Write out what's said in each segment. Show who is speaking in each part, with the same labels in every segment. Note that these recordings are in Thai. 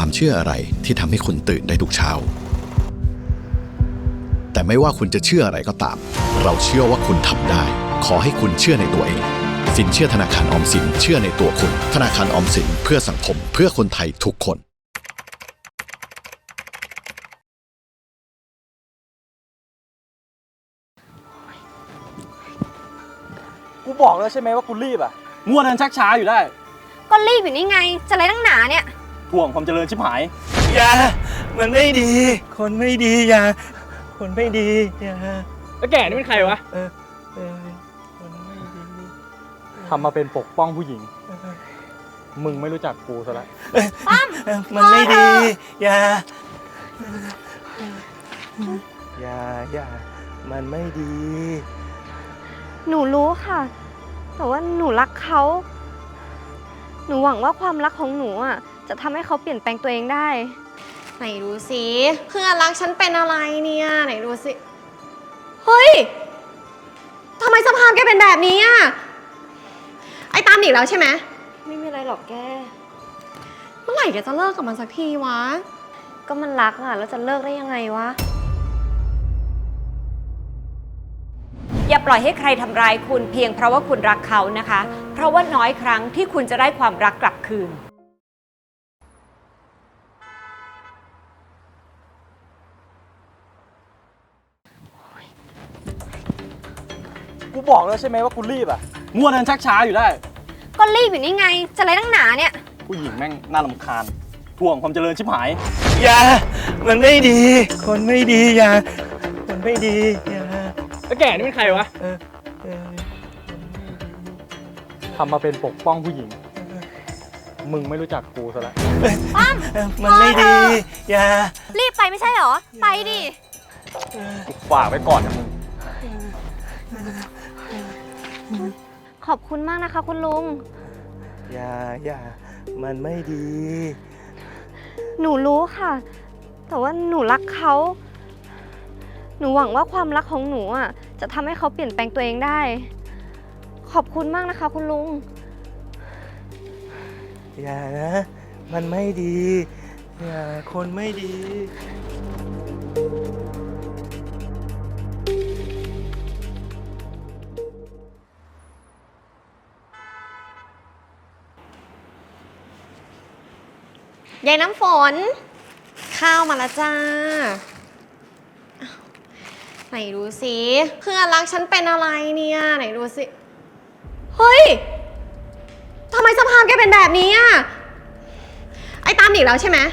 Speaker 1: ความเชื่ออะไรที่ทำให้คุณตื่นได้ทุกเช้าแต่ไม่ว่าคุณจะเชื่ออะไรก็ตามเราเชื่อว่าคุณทำได้ขอให้คุณเชื่อในตัวเองสินเชื่อธนาคารออมสินเชื่อในตัวคุณธนาคารออมสินเพื่อสังคมเพื่อคนไทยทุกคน
Speaker 2: กูบอกแล้วใช่ไหมว่ากูรีบอ่ะมัวเดินชักช้าอยู่ได้
Speaker 3: ก็รีบอยู่นี่ไงจะอะไรตั้งหนาเนี่ย
Speaker 2: ห่วงความเจริญชิบหาย
Speaker 4: อย่ามันไม่ดีคนไม่ดีอย่าคนไม่ดีอย่า
Speaker 2: แล้วแกนี่เป็นใครวะ
Speaker 4: คนไม่ดี
Speaker 2: ทำมาเป็นปกป้องผู้หญิงมึงไม่รู้จักกูซะแล้ว
Speaker 4: มันไม่ดีอย่ามันไม่ดี
Speaker 3: หนูรู้ค่ะแต่ว่าหนูรักเขาหนูหวังว่าความรักของหนูอ่ะจะทำให้เขาเปลี่ยนแปลงตัวเองได้
Speaker 5: ไหนดูสิเพื่อนรักฉันเป็นอะไรเนี่ยไหนดูสิเฮ้ยทำไมสภาพแกเป็นแบบนี้อ่ะไอ้ตามอีกแล้วใช่ไหม
Speaker 3: ไม่มีอะไรหรอกแก
Speaker 5: เมื่อไหร่แกจะเลิกกับมันสักทีวะ
Speaker 3: ก็มันรักอ่ะแล้วจะเลิกได้ยังไงวะ
Speaker 6: อย่าปล่อยให้ใครทำร้ายคุณเพียงเพราะว่าคุณรักเขานะคะเพราะว่าน้อยครั้งที่คุณจะได้ความรักกลับคืน
Speaker 2: กูบอกแล้วใช่ไหมว่ากูรีบอ่ะมัวเดินชักช้าอยู่ได้
Speaker 3: ก็รีบอยู่นี่ไงจะอะไรตั้งหนาเนี่ย
Speaker 2: ผู้หญิงแม่งน่ารำคาญห่วงความเจริญชิบหาย
Speaker 4: อย่ามันไม่ดีคนไม่ดีอย่าคนไม่ดีอย่า
Speaker 2: แล้วแกนี่เป็นใครวะทำมาเป็นปกป้องผู้หญิงมึงไม่รู้จักกูซะแล้ว
Speaker 4: มันไม่ดีอย่า
Speaker 3: รีบไปไม่ใช่เหรอไปดิ
Speaker 2: กูฝากไว้ก่อนนะมึง
Speaker 3: ขอบคุณมากนะคะคุณลุง
Speaker 4: อย่ามันไม่ดี
Speaker 3: หนูรู้ค่ะแต่ว่าหนูรักเขาหนูหวังว่าความรักของหนูอ่ะจะทำให้เขาเปลี่ยนแปลงตัวเองได้ขอบคุณมากนะคะคุณลุง
Speaker 4: อย่านะมันไม่ดีอย่าคนไม่ดี
Speaker 5: ยายน้ำฝนข้าวมาแล้วจ้าไหนดูสิเพื่อนรักฉันเป็นอะไรเนี่ยไหนดูสิเฮ้ยทำไมสภาพแกเป็นแบบนี้อ่ะไอ้ตามอีกแล้วใช่ไหม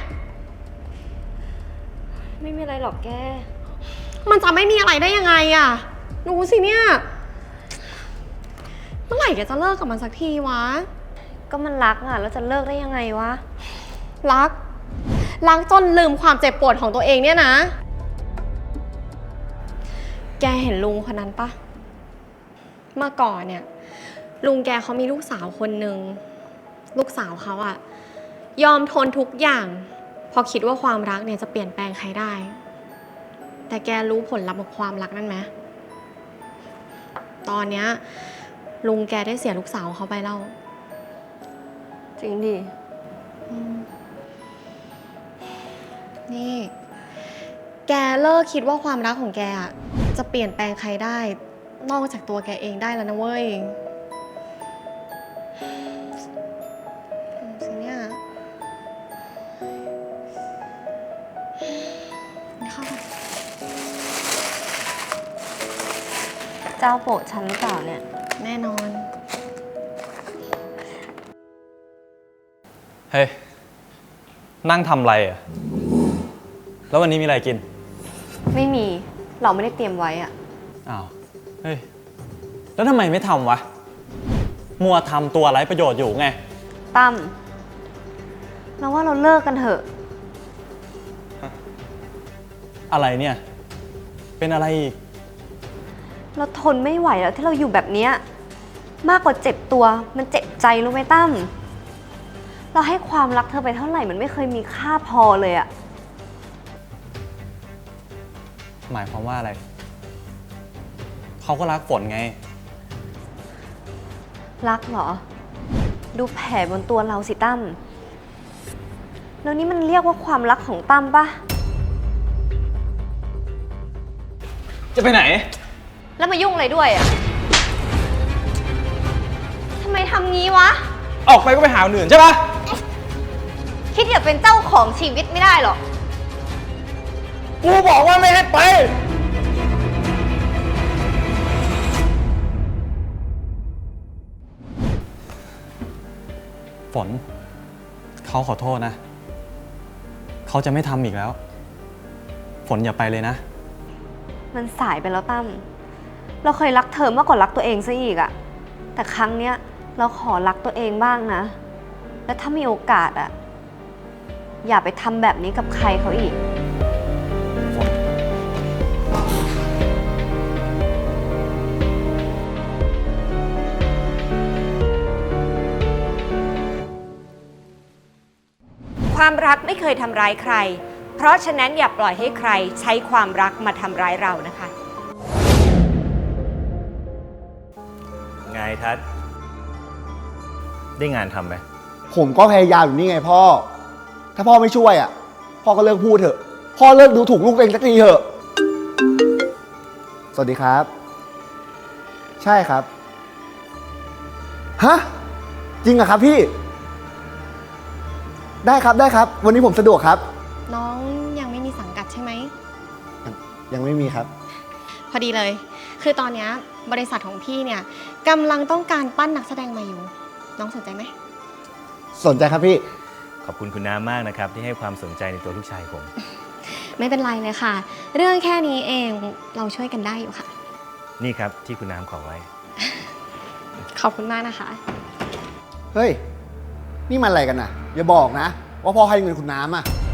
Speaker 3: ไม่มีอะไรหรอกแก
Speaker 5: มันจะไม่มีอะไรได้ยังไงอ่ะดูสิเนี่ยเมื่อไหร่แกจะเลิกกับมันสักทีวะ
Speaker 3: ก็มันรักอ่ะแล้วจะเลิกได้ยังไงวะ
Speaker 5: รักจนลืมความเจ็บปวดของตัวเองเนี่ยนะแกเห็นลุงคนนั้นปะเมื่อก่อนเนี่ยลุงแกเขามีลูกสาวคนหนึ่งลูกสาวเขาอะยอมทนทุกอย่างพอคิดว่าความรักเนี่ยจะเปลี่ยนแปลงใครได้แต่แกรู้ผลลัพธ์ของความรักนั่นไหมตอนเนี้ยลุงแกได้เสียลูกสาวเขาไปแล้ว
Speaker 3: จริงดิ
Speaker 5: นี่แกเลิกคิดว่าความรักของแกอะจะเปลี่ยนแปลงใครได้นอกจากตัวแกเองได้แล้วนะเว้ยสิเนี่ยเข้าไป
Speaker 3: เจ้าโปรดฉันหรือเปล่าเนี่ย
Speaker 5: แน่นอน
Speaker 2: เฮ้ยนั่งทำอะไรอ่ะแล้ววันนี้มีอะไรกิน
Speaker 3: ไม่มีเราไม่ได้เตรียมไว้อ่ะ
Speaker 2: อ้าวเฮ้ยแล้วทำไมไม่ทำวะมัวทำตัวไร้ประโยชน์อยู่ไง
Speaker 3: ตั้มเราว่าเราเลิกกันเถอะ
Speaker 2: อะไรเนี่ยเป็นอะไรอีก
Speaker 3: เราทนไม่ไหวแล้วที่เราอยู่แบบนี้มากกว่าเจ็บตัวมันเจ็บใจรู้ไหมตั้มเราให้ความรักเธอไปเท่าไหร่มันไม่เคยมีค่าพอเลยอะ
Speaker 2: หมายความว่าอะไรเขาก็รักฝนไง
Speaker 3: รักเหรอดูแผลบนตัวเราสิตั้มแล้วนี่มันเรียกว่าความรักของตั้มปะ
Speaker 2: จะไปไหน
Speaker 3: แล้วมายุ่งอะไรด้วยอะทำไมทำงี้วะ
Speaker 2: ออกไปก็ไปหาคนอื่นใช่ปะ
Speaker 3: คิดอยากเป็นเจ้าของชีวิตไม่ได้หรอก
Speaker 2: กูบอกว่าไม่ให้ไป ฝน เขาขอโทษนะ เขาจะไม่ทำอีกแล้ว ฝนอย่าไปเลยนะ
Speaker 3: มันสายไปแล้วตั้ม เราเคยรักเธอมากกว่ารักตัวเองซะอีกอะแต่ครั้งเนี้ยเราขอรักตัวเองบ้างนะ และถ้ามีโอกาสอะอย่าไปทำแบบนี้กับใครเขาอีก
Speaker 6: ความรักไม่เคยทำร้ายใคร เพราะฉะนั้นอย่าปล่อยให้ใครใช้ความรักมาทำร้ายเรานะคะ
Speaker 4: ไงทัศน์ได้งานทำไหม
Speaker 7: ผมก็พยายามอยู่นี่ไงพ่อ ถ้าพ่อไม่ช่วยอ่ะ พ่อก็เลิกพูดเถอะ พ่อเลิกดูถูกลูกตัวเองสักทีเถอะ สวัสดีครับ ใช่ครับ ฮะ จริงเหรอครับพี่ ได้ครับได้ครับ วันนี้ผมสะดวกครับ
Speaker 5: น้องยังไม่มีสังกัดใช่ไหม
Speaker 7: ยังไม่มีครับ
Speaker 5: พอดีเลย คือตอนเนี้ยบริษัทของพี่เนี่ยกำลังต้องการปั้นนักแสดงมาอยู่ น้องสนใจไหม
Speaker 7: สนใจครับพี่
Speaker 4: ขอบคุณคุณน้ามากนะครับที่ให้ความสนใจในตัวลูกชายผม
Speaker 5: ไม่เป็นไรเลยค่ะ เรื่องแค่นี้เองเราช่วยกันได้อยู่ค่ะ
Speaker 4: นี่ครับที่คุณน้ำขอไว้
Speaker 5: ขอบคุณมากนะคะ
Speaker 7: เฮ้ย นี่มันอะไรกันน่ะ อย่าบอกนะ ว่าพ่อให้เงินคุณน้ำอ่ะ